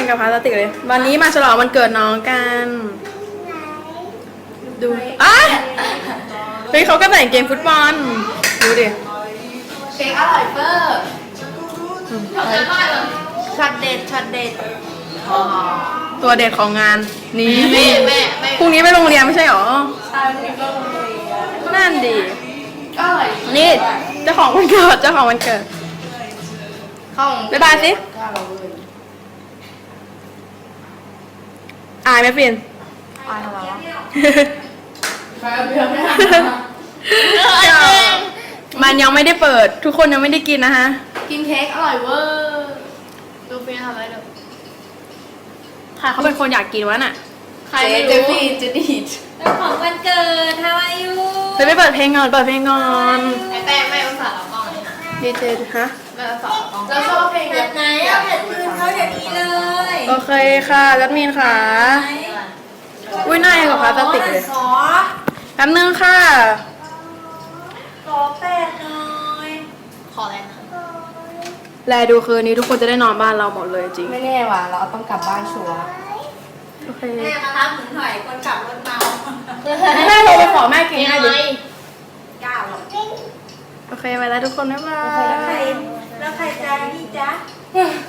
กับพลาสติกเลยวันนี้มาฉลองวันเกิดน้องกันดูอ่ะเฮ้ยเขาก็แต่งเกมฟุตบอลดูดิเค้กอร่อยเฟอร์ช็อตเด็ดช็อตเด็ดตัวเด็ดของงานนี้แม่พรุ่งนี้ไปโรงเรียนไม่ใช่หรอใช่วันนี้ก็โรงเรียนนั่นดีอร่อยนี่เจ้าของวันเกิดเจ้าของวันเกิดข้าวบ๊ายบายสิอายไหมปิ่นอายทำไมวะมันยังไม่ได้เปิดทุกคนยังไม่ได้กินนะฮะกินเค้กอร่อยเวอร์ดูฟินทำอะไรดูค่ะเขาเป็นคนอยากกินวะน่ะใครไม่รู้จะดีดเป็นของวันเกิดทำอายุไปเปิดเพลงก่อนเปิดเพลงก่อนไอ้แป้งไม่อุตส่าห์เอากล้องเลยนะดีเจฮะไม่อุตส่าห์เอากล้องแล้วชอบเพลงแบบไหนเอาแบบคืนเขาเดี๋ยวนี้เลยโอเคค่ะจัดมีนค่ะอุ้ยหน้ายังกับพลาสติกเลยขอแป๊บนึงค่ะขอแปดหน่อยขออะไรนะแลดูคืนนี้ทุกคนจะได้นอนบ้านเราหมดเลยจริงไม่แน่ว่ะเราต้องกลับบ้านชัวร์โอเคแม่มารับหนูหน่อยคนขับรถเมาแม่โทรไปขอแม่กินให้ดิก้าวหรอกโอเคไปแล้วทุกคนบ๊ายบายแล้วใครจะนี่จ๊ะ